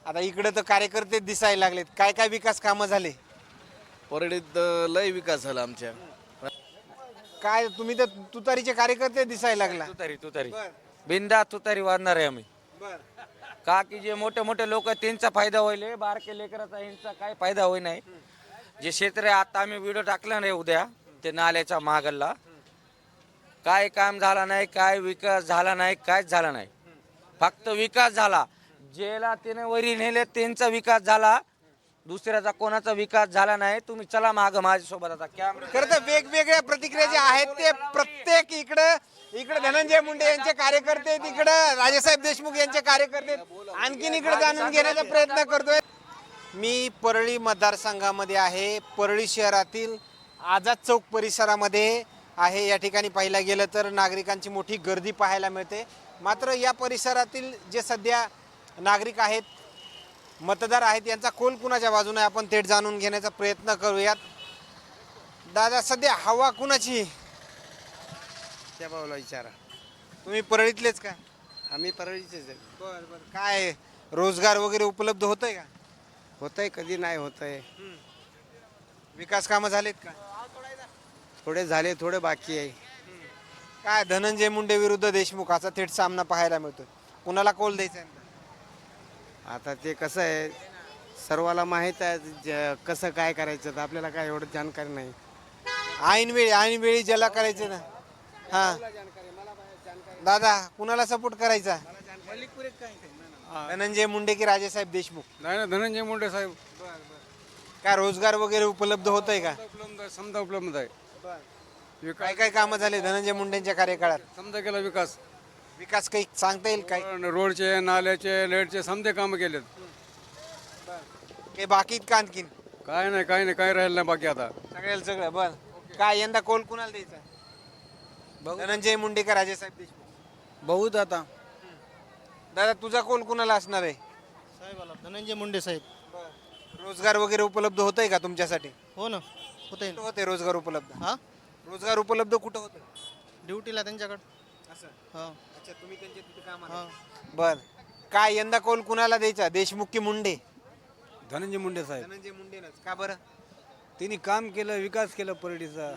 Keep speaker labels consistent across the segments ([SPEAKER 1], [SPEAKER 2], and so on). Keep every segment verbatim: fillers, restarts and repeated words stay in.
[SPEAKER 1] आता इकडे तर कार्यकर्ते दिसायला लागलेत, काय काय विकास कामं झाले?
[SPEAKER 2] परळीत अ, लय विकास झाला आमच्या.
[SPEAKER 1] काय तुम्ही तर तुतारीचे कार्यकर्ते दिसायला लागला.
[SPEAKER 3] तुतारी तुतारी
[SPEAKER 1] बर
[SPEAKER 3] बिंदा तुतारी वाजणार आहे आम्ही.
[SPEAKER 1] बर
[SPEAKER 3] का की जे मोठे मोठे लोक त्यांचा फायदा होईल, हे बारके लेकराचा यांचा काय फायदा होई नाही. जे क्षेत्र आहे आता आम्ही व्हिडिओ टाकला नाही उद्या ते नाल्याच्या मागला, काय काम झाला नाही, काय विकास झाला नाही, काहीच झाला नाही. फक्त विकास झाला, ज्याला त्याने वरी नेले त्यांचा विकास झाला, दुसऱ्याचा कोणाचा विकास झाला नाही. तुम्ही चला माग माझ्यासोबत आता कॅमेरा.
[SPEAKER 1] खरं तर वेगवेगळ्या प्रतिक्रिया ज्या आहेत ते प्रत्येक इकडं इकडे धनंजय मुंडे यांचे कार्यकर्ते आहेत, इकडं राजेसाहेब देशमुख यांचे कार्यकर्ते आहेत. आणखीन इकडे जाणून घेण्याचा प्रयत्न करतोय. मी परळी मतदारसंघामध्ये आहे. परळी शहरातील आझाद चौक परिसरामध्ये आहे. या ठिकाणी पाहायला गेलं तर नागरिकांची मोठी गर्दी पाहायला मिळते. मात्र या परिसरातील जे सध्या नागरिक आहेत, मतदार आहेत, यांचा कोल कुणाच्या बाजूने आपण थेट जाणून घेण्याचा प्रयत्न करूयात. दादा, सध्या हवा कुणाची?
[SPEAKER 4] त्या भाऊला विचारा.
[SPEAKER 1] तुम्ही परळीतलेच का?
[SPEAKER 4] आम्ही परळीचेच आहे.
[SPEAKER 1] बरं बरं. काय रोजगार वगैरे उपलब्ध होतंय का?
[SPEAKER 4] होतंय, कधी नाही होतंय.
[SPEAKER 1] विकास कामं झालेत का?
[SPEAKER 4] थोडे झाले, थोडे बाकी आहे.
[SPEAKER 1] काय धनंजय मुंडे विरुद्ध देशमुख असा थेट सामना पाहायला मिळतो. कुणाला कौल द्यायचा आहे?
[SPEAKER 4] आता ते कसं आहे, सर्वाला माहीत आहे ज- कसं काय करायचं, तर आपल्याला काय एवढं जानकारी नाही.
[SPEAKER 1] ऐन वेळी ऐन वेळी ज्याला करायचं ना. हा दादा, कुणाला सपोर्ट करायचा? धनंजय मुंडे की राजेसाहेब देशमुख?
[SPEAKER 5] नाही ना, धनंजय मुंडे साहेब.
[SPEAKER 1] काय रोजगार वगैरे उपलब्ध होतंय का?
[SPEAKER 5] उपलब्ध आहे, समजा उपलब्ध आहे.
[SPEAKER 1] काय काय कामं झाले धनंजय मुंडेंच्या कार्यकाळात?
[SPEAKER 5] समजा केला विकास.
[SPEAKER 1] विकास काही सांगता येईल काय?
[SPEAKER 5] रोडचे, नाल्याचे, लाईटचे समजे कामं केलेत.
[SPEAKER 1] काही बाकी का आणखीन?
[SPEAKER 5] काय नाही, काय नाही, काय राहिलं नाही बाकी आता.
[SPEAKER 1] सगळ्याला सगळं बर. काय यंदा कोल कुणाला द्यायचा? धनंजय मुंडे का राजेसाहेब देशमुख?
[SPEAKER 6] बहुत आता
[SPEAKER 1] दादा, तुझा कोल कुणाला असणार आहे?
[SPEAKER 6] साहेबाला धनंजय मुंडे साहेब.
[SPEAKER 1] रोजगार वगैरे उपलब्ध होतंय का तुमच्यासाठी?
[SPEAKER 6] हो ना, होते
[SPEAKER 1] कुठं होते रोजगार उपलब्ध?
[SPEAKER 6] हा
[SPEAKER 1] रोजगार उपलब्ध कुठं होतं?
[SPEAKER 6] ड्युटीला त्यांच्याकडं.
[SPEAKER 1] असं.
[SPEAKER 6] हा
[SPEAKER 1] अच्छा, तुम्ही त्यांच्या तिथे कामाला?
[SPEAKER 6] हा
[SPEAKER 1] बर. काय यंदा कोल कुणाला द्यायचा, देशमुख की मुंडे?
[SPEAKER 5] धनंजय मुंडे साहेब.
[SPEAKER 1] धनंजय मुंडेनच का बरं?
[SPEAKER 5] त्यांनी काम केलं, विकास केला परळीचा.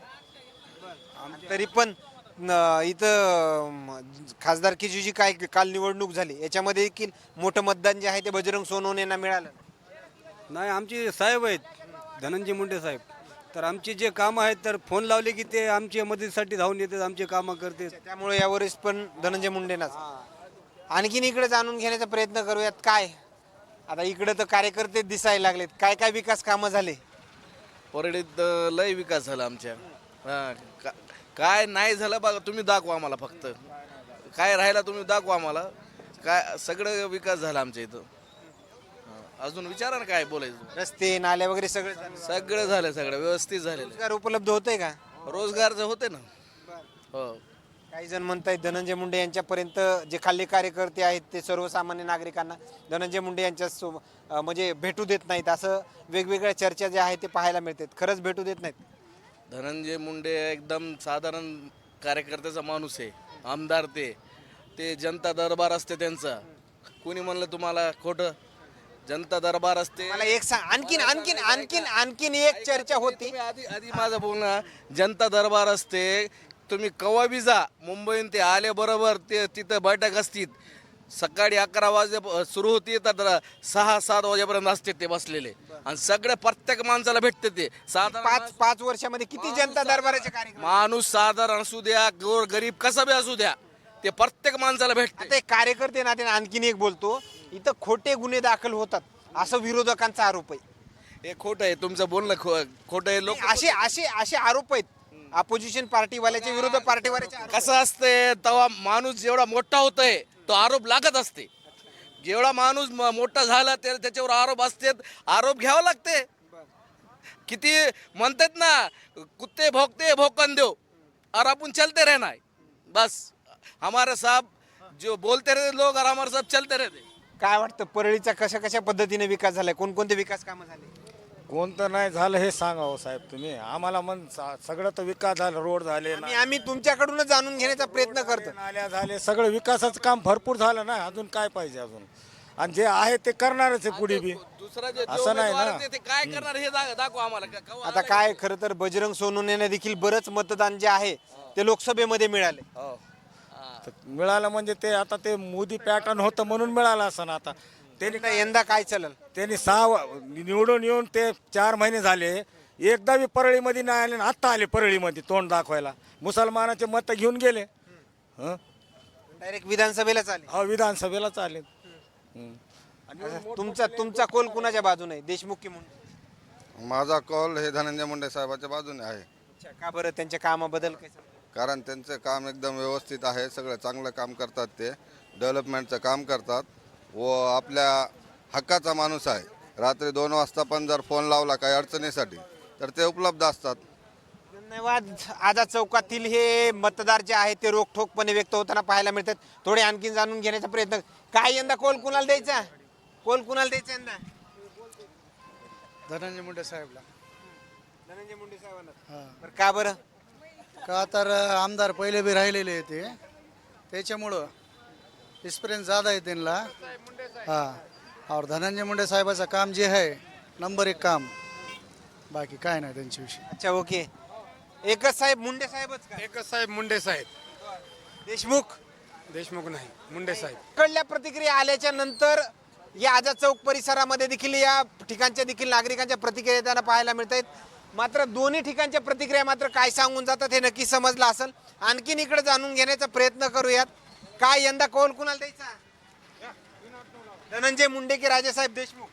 [SPEAKER 1] तरी पण न- इथं म, खासदारकीची जी काय काल निवडणूक झाली याच्यामध्ये देखील मोठं मतदान जे आहे ते बजरंग सोनवणेंना मिळालं.
[SPEAKER 5] नाही, आमचे साहेब आहेत धनंजय मुंडे साहेब. तर आमचे जे कामं आहेत, तर फोन लावले की ते आमच्या मदतीसाठी धावून येतात, आमचे कामं करते.
[SPEAKER 1] त्यामुळे यावरच पण धनंजय मुंडेंनाच. आणखीन इकडे जाणून घेण्याचा प्रयत्न करूयात. काय आता इकडे तर कार्यकर्ते दिसायला लागलेत, काय काय विकास कामं झाले?
[SPEAKER 2] परळीत अ, लय विकास झाला आमच्या. हा, का- काय नाही झालं बघा, तुम्ही दाखवा आम्हाला. फक्त काय राहिला तुम्ही दाखवा आम्हाला. काय सगळं विकास झाला आमच्या इथं. हा, अजून विचारा ना काय बोलायचं.
[SPEAKER 1] रस्ते, नाले वगैरे सगळं झालं.
[SPEAKER 2] सगळं झालं, सगळं व्यवस्थित झालेलं.
[SPEAKER 1] रोजगार उपलब्ध होतंय का?
[SPEAKER 2] रोजगारचं होते ना. हो.
[SPEAKER 1] काही जण म्हणतायत धनंजय मुंडे यांच्यापर्यंत जे खाल्ले कार्यकर्ते आहेत ते सर्वसामान्य नागरिकांना धनंजय मुंडे यांच्या सो अं, म्हणजे भेटू देत नाहीत, असं वेगवेगळ्या चर्चा ज्या आहेत ते पाहायला मिळतात. खरंच भेटू देत नाहीत?
[SPEAKER 2] धनंजय मुंडे एकदम साधारण कार्यकर्त्याचा माणूस आहे. आमदार ते ते जनता दरबार असते त्यांचा. कोणी म्हणलं तुम्हाला खोटं? जनता दरबार असते.
[SPEAKER 1] मला एक सांग, आणखीन आणखीन आणखीन आणखीन एक चर्चा होती.
[SPEAKER 2] तुम्ही आधी आधी माझं बोलणं. जनता दरबार असते, तुम्ही कवा बी जा. मुंबईहून ते आले बरोबर ते तिथं बैठक असतील. सकाळी अकरा वाजे सुरू होती, तर सहा सात वाजेपर्यंत असते ते बसलेले. आणि सगळे प्रत्येक माणसाला भेटते ते. साधारण
[SPEAKER 1] पाच पाच वर्षामध्ये किती जनता दरबाराचे कार्यक्रम?
[SPEAKER 2] माणूस साधारण असू द्या, गोर गरीब कसा बी असू द्या, ते प्रत्येक माणसाला भेटते.
[SPEAKER 1] आता एक कार्यकर्ते नात्याने आणखीन एक बोलतो, इथं खोटे गुन्हे दाखल होतात असं विरोधकांचा आरोप आहे.
[SPEAKER 2] हे खोटं आहे तुमचं बोलणं. खो खोटं आहे. लोक
[SPEAKER 1] असे असे असे आरोप आहेत अपोजिशन पार्टीवाल्याचे, विरोधी पार्टीवाल्याचे आरोप.
[SPEAKER 2] कसं असते, तेव्हा माणूस जेवढा मोठा होतोय तो आरोप लागत असते. जेवढा माणूस म- मोठा झाला ते त्याच्यावर आरोप असते, आरोप घ्यावा लागते. किती म्हणतात ना, कुत्ते भोगते भोकन देव और आपण चलते रहना है. बस हमारे साहब जो बोलते रहते लोग और हमारे साहब चलते रहते.
[SPEAKER 1] काय वाटतं परळीचा कशा कशा पद्धतीने विकास झालाय? कोणकोणते विकास कामं झाले?
[SPEAKER 7] कोणतं नाही झालं हे सांगा हो साहेब तुम्ही आम्हाला. मन सगळं तर विकास झाला, रोड झाले,
[SPEAKER 1] आम्ही आम्ही तुमच्याकडूनच जाणून घेण्याचा प्रयत्न करतो.
[SPEAKER 7] नाल्या झाले, सगळं विकासाचं काम भरपूर झालं ना. अजून काय पाहिजे? अजून आणि जे आहे ते करणारच आहे पुढे बी.
[SPEAKER 2] दुसरा जे
[SPEAKER 7] असं नाही
[SPEAKER 2] उमेदवार
[SPEAKER 7] ना.
[SPEAKER 2] आहे ते काय करणार हे दा- दाखवा आम्हाला का- का-
[SPEAKER 1] आता काय खरं तर बजरंग सोनवणेने देखील बरंच मतदान जे आहे ते लोकसभेमध्ये मिळाले.
[SPEAKER 2] हो.
[SPEAKER 7] तर मिळालं म्हणजे ते आता ते मोदी पॅटर्न होतं म्हणून मिळालं असं आता त्यांनी
[SPEAKER 1] यंदा- यंदा काय चालेल?
[SPEAKER 7] त्यांनी सहा व- निवडून येऊन ते चार महिने झाले, एकदा बी परळीमध्ये नाही आले आणि आत्ता आले परळीमध्ये तोंड दाखवायला. मुसलमानाचे मत घेऊन गेले. हं?
[SPEAKER 1] डायरेक्ट विधानसभेला चालेल.
[SPEAKER 7] हा विधानसभेला चालेल. हं.
[SPEAKER 1] तुमचा तुमचा कोल कुणाच्या बाजूने आहे, देशमुख की मुंडे?
[SPEAKER 8] माझा कॉल हे धनंजय मुंडे साहेबाच्या बाजूने आहे.
[SPEAKER 1] अच्छा, का बरं? त्यांच्या कामाबद्दल काय सांगता?
[SPEAKER 8] कारण त्यांचं काम एकदम व्यवस्थित आहे, सगळं चांगलं काम करतात, ते डेव्हलपमेंटचं काम करतात व आपल्या हक्काचा माणूस आहे. रात्री दोन वाजता पण जर फोन लावला काही अडचणीसाठी तर ते उपलब्ध असतात.
[SPEAKER 1] धन्यवाद. आझाद चौकातील हे मतदार जे आहेत ते रोखठोकपणे व्यक्त होताना पाहायला मिळतात. थोडे आणखीन जाणून घेण्याचा प्रयत्न. काय यंदा कोल कुणाला द्यायचा? कोल कुणाला द्यायचा यंदा?
[SPEAKER 6] धनंजय मुंडे साहेबला.
[SPEAKER 1] धनंजय मुंडे साहेबांना. बरं, का बरं?
[SPEAKER 6] का तर आमदार पहिले बी राहिलेले आहे ते, त्याच्यामुळं एक्सपिरियन्स ज़्यादा आहे त्यांना. हां, और धनंजय मुंडे साहेबाचं काम जे आहे नंबर एक काम, बाकी काय नाही त्यांच्याविषयी.
[SPEAKER 1] अच्छा, ओके. एकच साहेब, मुंडे साहेबच का?
[SPEAKER 9] एकच साहेब मुंडे साहेब.
[SPEAKER 1] देशमुख
[SPEAKER 9] देशमुख नाही, मुंडे साहेब.
[SPEAKER 1] कडल्या प्रतिक्रिया आल्याच्या नंतर या आझाद चौक परिसरामध्ये देखील या ठिकाणच्या देखील नागरिकांच्या प्रतिक्रिया येताना पाहायला मिळत आहेत. मात्र दोन्ही ठिकाणच्या प्रतिक्रिया मात्र काय सांगून जातात हे नक्की समजलं असेल. आणखीन इकडे जाणून घेण्याचा प्रयत्न करूयात. काय यंदा कौल कुणाला द्यायचा? धनंजय मुंडे की राजेसाहेब देशमुख?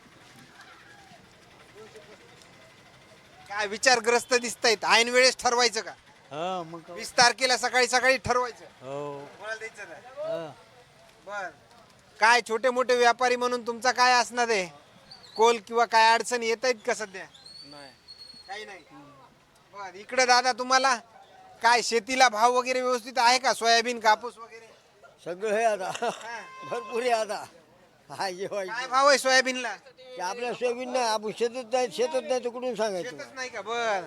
[SPEAKER 1] काय विचारग्रस्त दिसत आहेत. ऐन वेळेस ठरवायचं का? वीस तारखेला सकाळी सकाळी ठरवायचं कोणाला द्यायचं नाही? बर. काय छोटे मोठे व्यापारी म्हणून तुमचा काय असणार आहे कोल किंवा काय अडचणी येत आहेत का सध्या? काही नाही. बर. इकडे दादा तुम्हाला काय शेतीला भाव वगैरे व्यवस्थित आहे का? सोयाबीन, कापूस वगैरे
[SPEAKER 10] सगळं आहे आता,
[SPEAKER 1] हा.
[SPEAKER 10] भरपूर आहे आता. हा जेव्हा
[SPEAKER 1] काय भाव आहे सोयाबीनला?
[SPEAKER 10] आपल्या सोयाबीन नाही, आपण शेतात नाही, शेतात नाही तर कुठून सांगायचं?
[SPEAKER 1] शेतच नाही का? बर.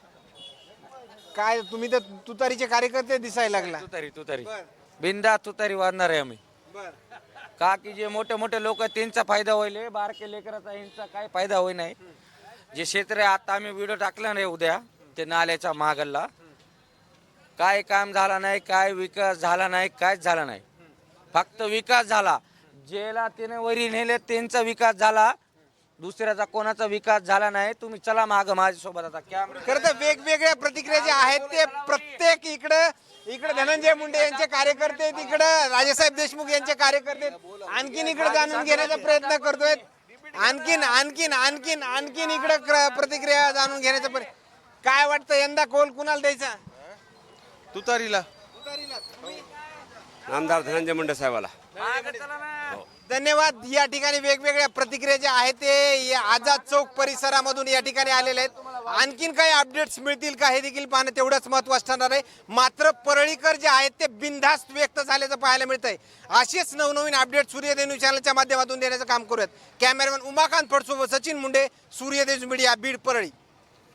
[SPEAKER 1] काय तुम्ही तर तुतारीचे कार्यकर्ते दिसायला लागला.
[SPEAKER 3] तुतारी तुतारी
[SPEAKER 1] बर.
[SPEAKER 3] बिंदा तुतारी वाजणार आहे आम्ही.
[SPEAKER 1] बर.
[SPEAKER 3] का की जे मोठे मोठे लोक आहेत त्यांचा फायदा होईल, बारके लेकराचा यांचा काय फायदा होई नाही. जे क्षेत्र आहे आता आम्ही व्हिडिओ टाकला नाही उद्या ते नाल्याच्या मागला, काय काम झाला नाही, काय विकास झाला नाही, काहीच झाला नाही. फक्त विकास झाला. ज्याला त्याने वरी नेले त्यांचा विकास झाला, दुसऱ्याचा कोणाचा विकास झाला नाही. तुम्ही चला माग माझ्यासोबत आता कॅमेरा.
[SPEAKER 1] खरं तर वेगवेगळ्या प्रतिक्रिया ज्या आहेत ते प्रत्येक इकडं इकडे धनंजय मुंडे यांचे कार्यकर्ते आहेत, इकडं राजेसाहेब देशमुख यांचे कार्यकर्ते आहेत. आणखीन इकडे जाणून घेण्याचा प्रयत्न करतोय. आणखीन आणखीन आणखीन आणखीन इकडे प्रतिक्रिया जाणून घेण्याचा प्रयत्न. काय वाटतं यंदा कोल कुणाला द्यायचा?
[SPEAKER 4] तुतारीला. आमदार धनंजय मुंडे साहेबाला.
[SPEAKER 1] धन्यवाद. या ठिकाणी वेगवेगळ्या प्रतिक्रिया ज्या आहेत ते या आझाद चौक परिसरामधून या ठिकाणी आलेले आहेत. आणखीन काही अपडेट्स मिळतील का हे देखील पाहणं तेवढंच महत्त्वाचं ठरणार आहे. मात्र परळीकर जे आहेत ते बिनधास्त व्यक्त झाल्याचं पाहायला मिळतंय. असेच नवनवीन अपडेट सूर्यदेव न्यूज चॅनलच्या माध्यमातून देण्याचं काम करूयात. कॅमेरामॅन उमाकांत फडसोबत सचिन मुंडे, सूर्यदेव मीडिया, बीड, परळी.